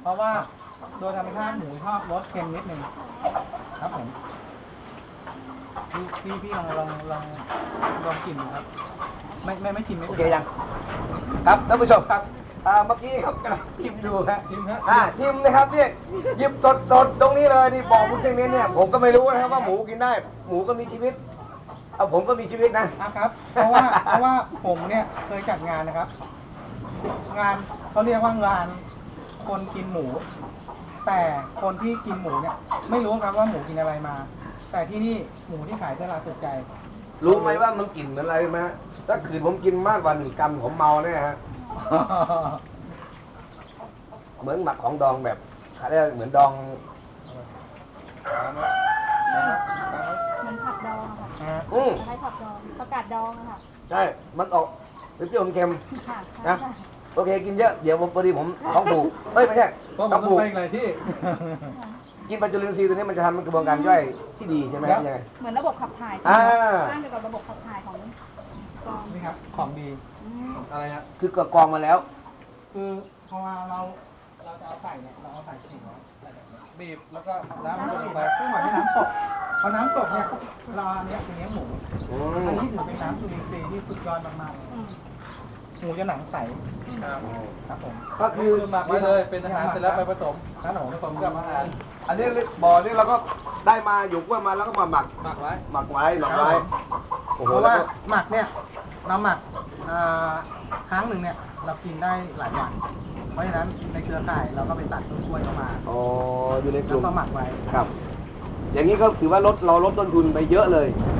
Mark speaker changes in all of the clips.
Speaker 1: เพราะว่าโดยธรรมชาติหมูชอบรสเค็มนิดนึงครับผมพี่ลองกินดูครับไม่ชิมไม่
Speaker 2: โอเคยังครับท่านผู้ชมครับเมื่อกี้ครับกำลังชิมดูฮะชิมนะครับเนี่ยหยิบสดตรงนี้เลยนี่บอกคุณเจงเนี่ยผมก็ไม่รู้นะครับว่าหมูกินได้หมูก็มีชีวิตผมก็มีชีวิต
Speaker 1: นะครับเพราะว่าผมเนี่ยเคยจัดงานนะครับ งานเขาเรียกว่างานคนกินหมู แต่คนที่กินหมูเนี่ยไม่รู้ครับว่าหมูกินอะไรมา แต่ที่นี่หมูที่ขายตลาดสุดใจ
Speaker 2: รู้ไหมว่ามันกลิ่นเหมือนอะไรไหมถ้าคืนผมกินมากกว่า1 กรัมผมเมาแน่ฮะ เหมือนหมักของดองแบบเขาเรียกเหมือนดอง
Speaker 3: มันผักดองค่ะ คล้ายผักดองประกาศดองค่ะ
Speaker 2: ใช่มันออกเปรี้ยวเค็ม
Speaker 3: ค่ะ
Speaker 2: นะโอเคกินเยอะเดี๋ยวพอดีผมท้องผูกไม่ใช่
Speaker 1: ท้องผูกไปอะไรที่
Speaker 2: กินปัจจุลินทรีย์ตัวนี้มันจะทำกระบวนการย่อยที่ดีใช่ไหมครับยังไง
Speaker 3: เหมือนระบบขับถ่ายสร้างเกี่ยวกับระบบขับถ่ายของกอง
Speaker 1: นี่ครับของดีอะไรฮะ
Speaker 2: คือกกองมาแล้ว
Speaker 1: คือพอเราจะเอาใส่เนี่ยเราเอาใส่ถุงบีบแล้วก็น้ำลงไปซึ่งหมายถึงน้ำตกพอน้ำตกเนี่ยเราเนี่ยเป็นเนื้อหมูอันนี้ถือเป็นน้ำจุลินทรีย์ที่สุดยอดมากๆหมูจะหนังใสครับผม
Speaker 2: ก็คือ
Speaker 1: หมักไว้เลยเป็นอาหารเสร็จแล้วไปผสมครับผมผสมกับอาหาร
Speaker 2: อันนี้บ่อนี่เราก็ได้มาอยู่กล้วยมาแล้วก็มาหมักไว้
Speaker 1: เพราะว่าหมักเนี่ยเราหมักครั้งหนึ่งเนี่ยเรากินได้หลายวันเพราะฉะนั้นในเครือข่ายเราก็ไปตัดต้นกล้วยเข้ามา
Speaker 2: อยู่ในกลุ่ม
Speaker 1: แล้วก็หมักไว้
Speaker 2: ครับอย่างนี้ก็ถือว่าเราลดต้นทุนไปเยอะเลย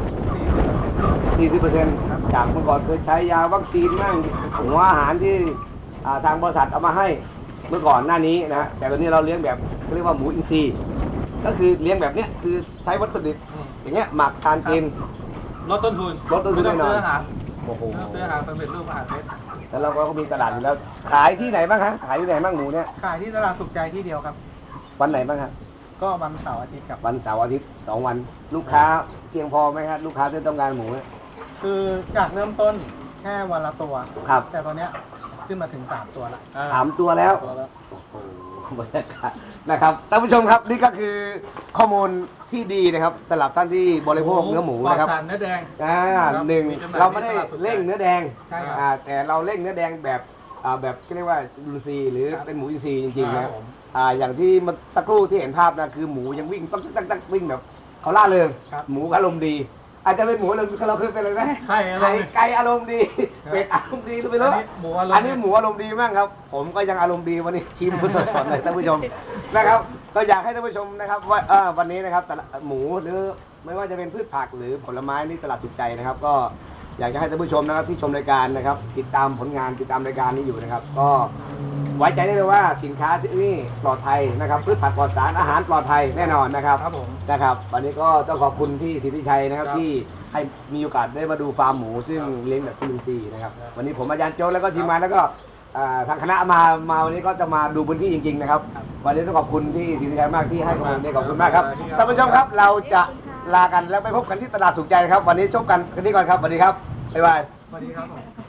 Speaker 2: 40% จากเมื่อก่อนเคยใช้ยาวัคซีนมั่งหัวอาหารที่ทางบริษัทเอามาให้เมื่อก่อนหน้านี้นะแต่ตอนนี้เราเลี้ยงแบบเรียกว่าหมูอินทรีย์ก็คือเลี้ยงแบบเนี้ยคือใช้วัตถุดิบอย่างเงี้ยหมักทานกิน
Speaker 1: ลดต้นทุน
Speaker 2: แน่นอน
Speaker 1: โอ้โหซื้ออาหารสำเร็จรูปอาหารเม็ด
Speaker 2: แล้วเราก็มีตลาดอยู่แล้วขายที่ไหนบ้างครับขายที่ไหนบ้างหมูเนี่ย
Speaker 1: ขายที่ตลาดสุขใจที่เดียวครับ
Speaker 2: วันไหนบ้างครับ
Speaker 1: ก็วันเสาร์อาทิตย์กับ
Speaker 2: วันเสาร์อาทิตย์2 วันลูกค้าเพียงพอไหมครับลูกค้าที่ต้องการหมู
Speaker 1: คือจากเริ่มต้นแค่วันละตัว
Speaker 2: ครับ
Speaker 1: แต่ตอนเนี้ยขึ้นมาถึง3 ตัวแล้ว
Speaker 2: 3 ตัวแล้วบรรยากาศนะครับท่านผู้ชมครับนี่ก็คือข้อมูลที่ดีนะครับสำหรับท่านที่บริโภคเนื้อหมูนะครับ
Speaker 1: เนื้อแดง
Speaker 2: หนึ่งเราไม่ได้เร่งเนื้อแดงแต่เราเร่งเนื้อแดงแบบเรียกว่าอินทรีย์หรือเป็นหมูอินทรีย์จริงๆนะอย่างที่มันสักครู่ที่เห็นภาพนะคือหมูยังวิ่งตั้งวิ่งแบบเขาล่าเริงหมูอารมณ์ดีอาจจะเป็นหมูอารมณ์เราเคยเป็นอะไรไหมไก่อารมณ์ดีเป็ดอารมณ์ดีหรือไม่รู้อันนี้หมูอารมณ์ดีมากครับผมก็ยังอารมณ์ดีวันนี้ชิมสดๆเลยท่านผู้ชมนะครับก็อยากให้ท่านผู้ชมนะครับว่าวันนี้นะครับหมูหรือไม่ว่าจะเป็นพืชผักหรือผลไม้นี่ตลาดสุขใจนะครับก็อยากจะให้ท่านผู้ชมนะครับที่ชมรายการนะครับติดตามผลงานติดตามรายการนี้อยู่นะครับก็ไว้ใจได้เลยว่าสินค้าที่นี่ปลอดภัยนะครับพืชผักปลอดสารอาหารปลอดภัยแน่นอนนะครับนะครับวันนี้ก็ต้องขอบคุณที่สิทธิชัยนะครับที่ให้มีโอกาสได้มาดูฟาร์มหมูซึ่งเลี้ยงแบบอินทรีย์นะครับวันนี้ผมอาจารย์โจ้แล้วก็ทีมงานแล้วก็ทางคณะมาวันนี้ก็จะมาดูพื้นที่จริงๆนะครับวันนี้ต้องขอบคุณที่สิทธิชัยมากที่ให้ข้อมูลขอบคุณมากครับท่านผู้ชมครับเราจะลากันแล้วไปพบกันที่ตลาดสุขใจนะครับวันนี้ชมกันที่ก่อนครับสวัสดีครับบ๊ายบาย
Speaker 1: สวัสดีครับ